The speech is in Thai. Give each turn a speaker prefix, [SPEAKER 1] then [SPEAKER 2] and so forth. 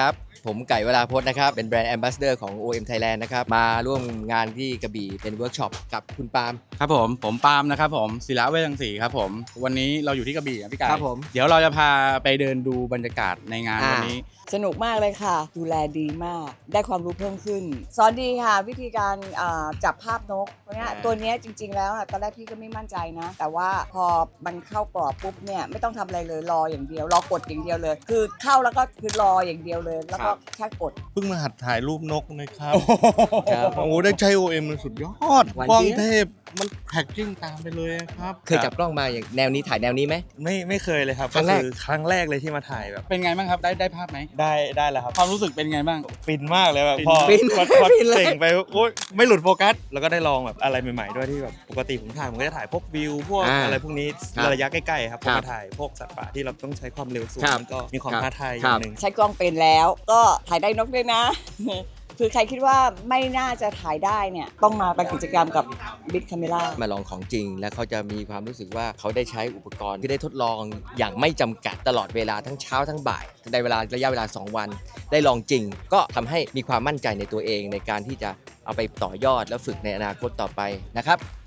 [SPEAKER 1] ครับผมไก่วราพจน์นะครับเป็นแบรนด์แอมบาสเดอร์ของ OM Thailand นะครับมาร่วมงานที่กระบี่เป็นเวิร์กช็อปกับคุณปาล์ม
[SPEAKER 2] ครับผมปาล์มนะครับผมศิระเวชรังสีครับผมวันนี้เราอยู่ที่กระบี่พี่ไก่
[SPEAKER 1] ครับผม
[SPEAKER 2] เดี๋ยวเราจะพาไปเดินดูบรรยากาศในงานวันนี้
[SPEAKER 3] สนุกมากเลยค่ะ ดูแลดีมาก ได้ความรู้เพิ่มขึ้น สอนดีค่ะ วิธีการจับภาพนกเพราะเนี้ยตัวเนี้ยจริง ๆ แล้วตอนแรกพี่ก็ไม่มั่นใจนะ แต่ว่าพอมันเข้ากรอบปุ๊บเนี่ยไม่ต้องทำอะไรเลยรออย่างเดียว รอกดอย่างเดียวเลย คือเข้าแล้วก็คือรออย่างเดียวเลย แล้วก็แค่กด
[SPEAKER 4] เพิ่งมาหัดถ่ายรูปนกนะครับ
[SPEAKER 1] ครับ
[SPEAKER 4] โอ้โหได้ใช้ OM มันสุดยอด
[SPEAKER 1] หวาน
[SPEAKER 4] กล้อง
[SPEAKER 1] เจี๊ยบ
[SPEAKER 4] เทพมันแพ็กกิ้งตามไปเลยครับ
[SPEAKER 1] เคยจับกล้องมาอย่างแนวนี้ถ่ายแนวนี้ไหม
[SPEAKER 4] ไม่เคยเลยครับ
[SPEAKER 1] ครั้งแรก
[SPEAKER 4] คือครั้งแรกเลยที่มาถ่ายแบบ
[SPEAKER 2] เป็นไงบ้างครับได้ภาพไหม
[SPEAKER 4] ได้แล้วครับ
[SPEAKER 2] ความรู้สึกเป็นไงบ้าง
[SPEAKER 4] ฟินมากเลยแบบ
[SPEAKER 2] ฟิน
[SPEAKER 4] พอ
[SPEAKER 1] ฟิน
[SPEAKER 4] พอ
[SPEAKER 1] ฟินเลย
[SPEAKER 4] เต่งไปโอ๊ยไม่หลุดโฟกัส แล้วก็ได้ลองแบบอะไรใหม่ๆด้วยที่แบบปกติผมถ่ายผมก็จะถ่ายพวกวิวพวกอะไรพวกนี้
[SPEAKER 1] ครับ
[SPEAKER 4] ระยะใกล้ๆครับพ
[SPEAKER 1] ครั
[SPEAKER 4] อบ มาถ่ายพวกสัตว์ป่าที่เราต้องใช้ความเร็วสูง
[SPEAKER 1] ครับ
[SPEAKER 4] มันก็มีความ
[SPEAKER 1] ครับ
[SPEAKER 4] ท้าทายอ
[SPEAKER 1] ครั
[SPEAKER 4] ย่า
[SPEAKER 1] บ
[SPEAKER 4] งหนึ่ง
[SPEAKER 3] ใช้กล้องเป็นแล้วก็ถ่ายได้นกด้วยนะ คือใครคิดว่าไม่น่าจะถ่ายได้เนี่ยต้องมาเป็นกิจกรรมกับ Big Camera
[SPEAKER 1] มาลองของจริงแล้วเขาจะมีความรู้สึกว่าเขาได้ใช้อุปกรณ์ที่ได้ทดลองอย่างไม่จำกัดตลอดเวลาทั้งเช้าทั้งบ่ายในระยะเวลา 2 วัน ได้ลองจริง ก็ทำให้มีความมั่นใจในตัวเองในการที่จะเอาไปต่อยอดและฝึกในอนาคตต่อไปนะครับ